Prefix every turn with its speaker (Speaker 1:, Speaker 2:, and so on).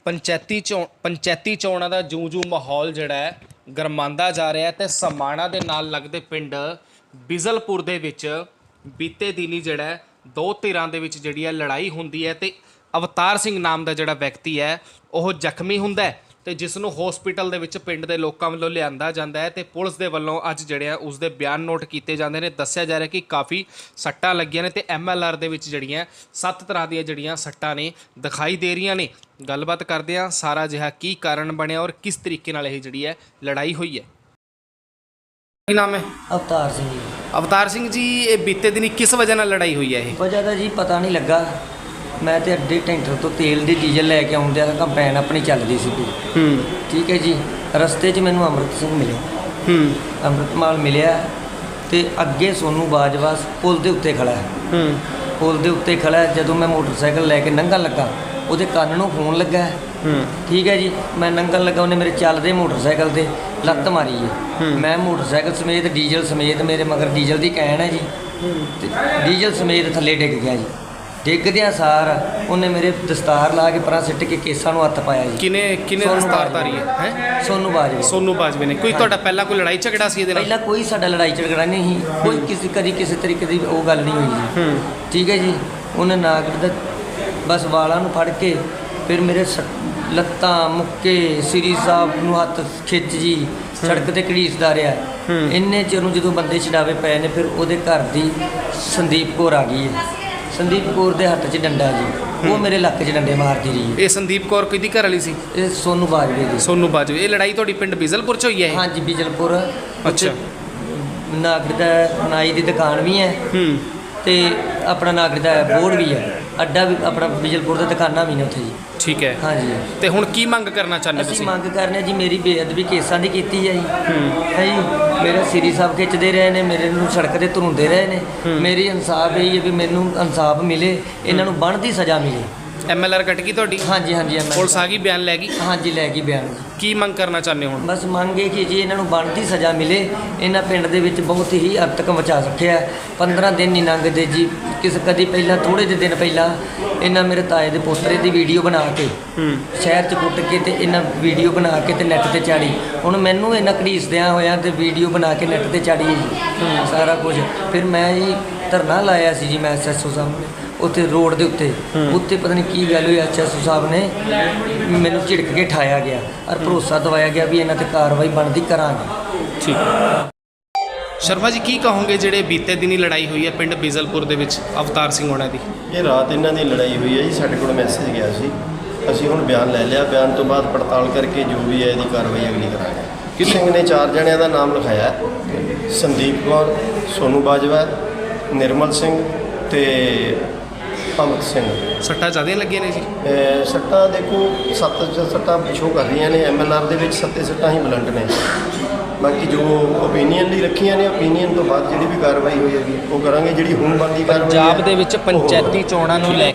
Speaker 1: ਪੰਚਾਇਤੀ ਚੋਣਾਂ ਦਾ ਜੂੰ ਮਾਹੌਲ ਜਿਹੜਾ ਹੈ ਗਰਮਾਉਂਦਾ ਜਾ ਰਿਹਾ ਤੇ ਸਮਾਣਾ ਦੇ ਨਾਲ ਲੱਗਦੇ ਪਿੰਡ ਬਿਜ਼ਲਪੁਰ ਦੇ ਵਿੱਚ ਬੀਤੇ ਦਿਨੀ ਜਿਹੜਾ ਹੈ ਦੋ ਧਿਰਾਂ ਦੇ ਵਿੱਚ ਜਿਹੜੀ ਹੈ ਲੜਾਈ ਹੁੰਦੀ ਹੈ ਤੇ ਅਵਤਾਰ ਸਿੰਘ ਨਾਮ ਦਾ ਜਿਹੜਾ ਵਿਅਕਤੀ ਹੈ ਉਹ ਜ਼ਖਮੀ ਹੁੰਦਾ ਹੈ ਤੇ ਜਿਸ ਨੂੰ ਹਸਪੀਟਲ ਦੇ ਵਿੱਚ ਪਿੰਡ ਦੇ ਲੋਕਾਂ ਵੱਲੋਂ ਲਿਆਂਦਾ ਜਾਂਦਾ ਹੈ ਤੇ ਪੁਲਿਸ ਦੇ ਵੱਲੋਂ ਅੱਜ ਜਿਹੜੇ ਆ ਉਸ ਦੇ ਬਿਆਨ ਨੋਟ ਕੀਤੇ ਜਾਂਦੇ ਨੇ। ਦੱਸਿਆ ਜਾ ਰਿਹਾ ਕਿ ਕਾਫੀ ਸੱਟਾਂ ਲੱਗੀਆਂ ਨੇ ਤੇ MLR ਦੇ ਵਿੱਚ ਜਿਹੜੀਆਂ 7 ਤਰ੍ਹਾਂ ਦੀਆਂ ਜਿਹੜੀਆਂ ਸੱਟਾਂ ਨੇ ਦਿਖਾਈ ਦੇ ਰਹੀਆਂ ਨੇ। ਗੱਲਬਾਤ ਕਰਦੇ ਹਾਂ ਸਾਰਾ ਜਿਹਾ ਕੀ ਕਾਰਨ ਬਣਿਆ ਔਰ ਕਿਸ ਤਰੀਕੇ ਨਾਲ ਇਹ ਜਿਹੜੀ ਹੈ ਲੜਾਈ ਹੋਈ ਹੈ। ਕੀ ਨਾਮ ਹੈ?
Speaker 2: ਅਵਤਾਰ ਸਿੰਘ ਜੀ।
Speaker 1: ਅਵਤਾਰ ਸਿੰਘ ਜੀ, ਇਹ ਬੀਤੇ ਦਿਨੀ ਕਿਸ ਵਜ੍ਹਾ ਨਾਲ ਲੜਾਈ ਹੋਈ ਹੈ? ਇਹ
Speaker 2: ਵਜ੍ਹਾ ਦਾ ਜੀ ਪਤਾ ਨਹੀਂ ਲੱਗਾ। ਮੈਂ ਤੇ ਅੱਡੇ ਟੈਂਟਰ ਤੋਂ ਤੇਲ ਦੀ ਡੀਜ਼ਲ ਲੈ ਕੇ ਆਉਂਦਿਆਂ ਕੰਪੈਨ ਆਪਣੀ ਚੱਲਦੀ ਸੀਗੀ। ਠੀਕ ਹੈ ਜੀ। ਰਸਤੇ 'ਚ ਮੈਨੂੰ ਅੰਮ੍ਰਿਤ ਸਿੰਘ ਮਿਲਿਆ। ਅੰਮ੍ਰਿਤਮਾਲ ਮਿਲਿਆ ਤੇ ਅੱਗੇ ਸੋਨੂ ਬਾਜਵਾ ਪੁਲ ਦੇ ਉੱਤੇ ਖੜਾ ਹੈ। ਪੁਲ ਦੇ ਉੱਤੇ ਖੜਾ ਹੈ। ਜਦੋਂ ਮੈਂ ਮੋਟਰਸਾਈਕਲ ਲੈ ਕੇ ਲੰਘਣ ਲੱਗਾ ਉਹਦੇ ਕੰਨ ਨੂੰ ਫੋਨ ਲੱਗਾ। ਠੀਕ ਹੈ ਜੀ। ਮੈਂ ਲੰਘਣ ਲੱਗਾ, ਉਹਨੇ ਮੇਰੇ ਚੱਲਦੇ ਮੋਟਰਸਾਈਕਲ ਤੇ ਲੱਤ ਮਾਰੀ ਹੈ। ਮੈਂ ਮੋਟਰਸਾਈਕਲ ਸਮੇਤ ਡੀਜ਼ਲ ਸਮੇਤ, ਮੇਰੇ ਮਗਰ ਡੀਜ਼ਲ ਦੀ ਕੈਨ ਹੈ ਜੀ, ਤੇ ਡੀਜ਼ਲ ਸਮੇਤ ਥੱਲੇ ਡਿੱਗ ਗਿਆ ਜੀ। ਡਿੱਗਦਿਆਂ ਸਾਰ ਉਹਨੇ ਮੇਰੇ ਦਸਤਾਰ ਲਾ ਕੇ ਪਰਾਂ ਸਿੱਟ ਕੇ ਕੇਸਾਂ ਨੂੰ ਹੱਥ ਪਾਇਆ ਜੀ।
Speaker 1: ਕਿਨੇ ਦਸਤਾਰ ਧਾਰੀ ਹੈ?
Speaker 2: ਸੋਨੂ ਬਾਜਵੇ
Speaker 1: ਨੇ। ਕੋਈ ਤੁਹਾਡਾ ਪਹਿਲਾਂ ਕੋਈ ਲੜਾਈ ਝਗੜਾ ਸੀ ਇਹਦੇ ਨਾਲ?
Speaker 2: ਪਹਿਲਾਂ ਕੋਈ ਸਾਡਾ ਲੜਾਈ ਝਗੜਾ ਨਹੀਂ ਸੀ। ਕੋਈ ਕਿਸੇ ਤਰੀਕੇ ਦੀ ਉਹ ਗੱਲ ਨਹੀਂ ਹੋਈ ਜੀ। ਠੀਕ ਹੈ ਜੀ। ਉਹਨੇ ਨਾਗਰ ਦਾ ਬਸ ਵਾਲਾਂ ਨੂੰ ਫੜ ਕੇ ਫਿਰ ਮੇਰੇ ਲੱਤਾਂ ਮੁੱਕੇ ਸ੍ਰੀ ਸਾਹਿਬ ਨੂੰ ਹੱਥ ਖਿੱਚ ਜੀ ਸੜਕ ਤੇ ਘੜੀਸਦਾ ਰਿਹਾ। ਇੰਨੇ ਚਿਰ ਨੂੰ ਜਦੋਂ ਬੰਦੇ ਛਡਾਵੇ ਪਏ ਨੇ ਫਿਰ ਉਹਦੇ ਘਰ ਦੀ ਸੰਦੀਪ ਕੌਰ ਆ ਗਈ ਹੈ। ਸੰਦੀਪ ਕੌਰ ਦੇ ਹੱਥ 'ਚ ਡੰਡਾ ਜੀ, ਉਹ ਮੇਰੇ ਲੱਕ 'ਚ ਡੰਡੇ ਮਾਰਦੀ ਰਹੀ।
Speaker 1: ਇਹ ਸੰਦੀਪ ਕੌਰ ਕਿਹਦੀ ਘਰ ਵਾਲੀ ਸੀ?
Speaker 2: ਇਹ ਸੋਨੂ ਬਾਜਵੇ ਦੀ।
Speaker 1: ਸੋਨੂ ਬਾਜਵੇ। ਇਹ ਲੜਾਈ ਤੁਹਾਡੀ ਪਿੰਡ ਬਿਜ਼ਲਪੁਰ 'ਚ ਹੋਈ ਹੈ?
Speaker 2: ਹਾਂਜੀ, ਬਿਜ਼ਲਪੁਰ।
Speaker 1: ਅੱਛਾ।
Speaker 2: ਨਾਗਰ ਦਾ ਨਾਈ ਦੀ ਦੁਕਾਨ ਵੀ ਹੈ ਤੇ ਆਪਣਾ ਨਾਗਰ ਦਾ ਬੋਰਡ ਵੀ ਹੈ। ਅੱਡਾ ਵੀ ਆਪਣਾ ਬਿਜ਼ਲਪੁਰ ਦਾ ਦੁਕਾਨਾਂ ਵੀ ਨੇ ਉੱਥੇ ਜੀ।
Speaker 1: ਠੀਕ ਹੈ।
Speaker 2: ਹਾਂਜੀ।
Speaker 1: ਤੇ ਹੁਣ ਕੀ ਮੰਗ ਕਰਨਾ ਚਾਹੁੰਦੇ
Speaker 2: ਅਸੀਂ
Speaker 1: ਤੁਸੀਂ?
Speaker 2: ਮੰਗ ਕਰਨੇ ਜੀ, ਮੇਰੀ ਬੇਅਦਬੀ ਕੇਸਾਂ ਦੀ ਕੀਤੀ ਹੈ ਜੀ। ਹੈ ਜੀ। ਮੇਰਾ ਸ੍ਰੀ ਸਾਹਿਬ ਖਿੱਚਦੇ ਰਹੇ ਨੇ, ਮੇਰੇ ਨੂੰ ਸੜਕ ਤੇ ਧਰੁੰਦੇ ਰਹੇ ਨੇ। ਮੇਰੀ ਇਨਸਾਫ ਇਹ ਹੈ ਵੀ ਮੈਨੂੰ ਇਨਸਾਫ ਮਿਲੇ, ਇਹਨਾਂ ਨੂੰ ਬਣਦੀ ਸਜ਼ਾ ਮਿਲੇ।
Speaker 1: MLR ਕੱਟ ਗਈ ਤੁਹਾਡੀ?
Speaker 2: ਹਾਂਜੀ।
Speaker 1: ਪੁਲਿਸ ਆ ਗਈ, ਬਿਆਨ ਲੈ ਗਈ?
Speaker 2: ਹਾਂਜੀ, ਲੈ ਗਈ ਬਿਆਨ ਜੀ।
Speaker 1: ਕੀ ਮੰਗ ਕਰਨਾ ਚਾਹੁੰਦੇ ਹੋ?
Speaker 2: ਬਸ ਮੰਗ ਇਹ ਕਿ ਜੀ ਇਹਨਾਂ ਨੂੰ ਬਣਦੀ ਸਜ਼ਾ ਮਿਲੇ। ਇਹਨਾਂ ਪਿੰਡ ਦੇ ਵਿੱਚ ਬਹੁਤ ਹੀ ਹੱਦ ਤੱਕ ਮਚਾ ਰੱਖਿਆ। 15 ਦਿਨ ਨਹੀਂ ਲੰਘਦੇ ਜੀ। ਕਦੀ ਪਹਿਲਾਂ ਥੋੜ੍ਹੇ ਜਿਹੇ ਦਿਨ ਪਹਿਲਾਂ ਇਹਨਾਂ ਮੇਰੇ ਤਾਏ ਦੇ ਪੋਤਰੇ ਦੀ ਵੀਡੀਓ ਬਣਾ ਕੇ ਸ਼ਹਿਰ 'ਚ ਕੁੱਟ ਕੇ ਤੇ ਇਹਨਾਂ ਵੀਡੀਓ ਬਣਾ ਕੇ ਤੇ ਨੈੱਟ ਤੇ ਚਾੜੀ। ਹੁਣ ਮੈਨੂੰ ਇਹਨਾਂ ਘੜੀਸਦਿਆਂ ਹੋਇਆਂ ਤੇ ਵੀਡੀਓ ਬਣਾ ਕੇ ਨੈੱਟ ਤੇ ਚਾੜੀ ਜੀ ਸਾਰਾ ਕੁਝ। ਫਿਰ ਮੈਂ ਜੀ ਧਰਨਾ ਲਾਇਆ ਸੀ ਜੀ, ਮੈਂ SSO ਸਾਹਮਣੇ ਉੱਥੇ ਰੋਡ ਦੇ ਉੱਤੇ ਪਤਾ ਨਹੀਂ ਕੀ ਗੱਲ ਹੋਈ। SSO ਸਾਹਿਬ ਨੇ ਮੈਨੂੰ ਝਿੜਕ ਕੇ ਠਾਇਆ ਗਿਆ ਔਰ ਭਰੋਸਾ ਦਵਾਇਆ ਗਿਆ ਵੀ ਇਹਨਾਂ 'ਤੇ ਕਾਰਵਾਈ ਬਣਦੀ ਕਰਾਂਗੇ।
Speaker 1: ਠੀਕ। ਸ਼ਰਮਾ ਜੀ, ਕੀ ਕਹੋਗੇ ਜਿਹੜੇ ਬੀਤੇ ਦਿਨੀ ਲੜਾਈ ਹੋਈ ਹੈ ਪਿੰਡ ਬਿਜ਼ਲਪੁਰ ਦੇ ਵਿੱਚ ਅਵਤਾਰ ਸਿੰਘ ਹੋਣਾ ਦੀ?
Speaker 3: ਇਹ ਰਾਤ ਇਹਨਾਂ ਦੀ ਲੜਾਈ ਹੋਈ ਹੈ ਜੀ। ਸਾਡੇ ਕੋਲ ਮੈਸੇਜ ਗਿਆ ਸੀ, ਅਸੀਂ ਹੁਣ ਬਿਆਨ ਲੈ ਲਿਆ। ਬਿਆਨ ਤੋਂ ਬਾਅਦ ਪੜਤਾਲ ਕਰਕੇ ਜੋ ਵੀ ਹੈ ਇਹਦੀ ਕਾਰਵਾਈ ਅਗਲੀ ਕਰਾਂਗੇ। ਕਿਸ ਸਿੰਘ ਨੇ 4 ਜਣਿਆਂ ਦਾ ਨਾਮ ਲਿਖਾਇਆ, ਸੰਦੀਪ ਕੌਰ, ਸੋਨੂ ਬਾਜਵਾ, ਨਿਰਮਲ ਸਿੰਘ ਤੇ ਅਮਿਤ ਸਿੰਘ।
Speaker 1: ਸੱਟਾਂ ਜ਼ਿਆਦਾ ਲੱਗੀਆਂ ਨੇ ਜੀ?
Speaker 3: ਸੱਟਾਂ ਦੇਖੋ 7 ਸੱਟਾਂ ਸ਼ੋ ਕਰ ਰਹੀਆਂ ਨੇ। MLR ਦੇ ਵਿੱਚ 7 ਸੱਟਾਂ ਹੀ ਬਲੰਟ ਨੇ। ਬਾਕੀ ਜੋ ਓਪੀਨੀਅਨ ਲਈ ਰੱਖੀਆਂ ਨੇ, ਓਪੀਨੀਅਨ ਤੋਂ ਬਾਅਦ ਜਿਹੜੀ ਵੀ ਕਾਰਵਾਈ ਹੋਈ ਹੈਗੀ ਉਹ ਕਰਾਂਗੇ। ਜਿਹੜੀ ਹੁਣ ਬਣਦੀ ਕਾਰਵਾਈ
Speaker 1: ਪੰਜਾਬ ਦੇ ਵਿੱਚ ਪੰਚਾਇਤੀ ਚੋਣਾਂ ਨੂੰ ਲੈ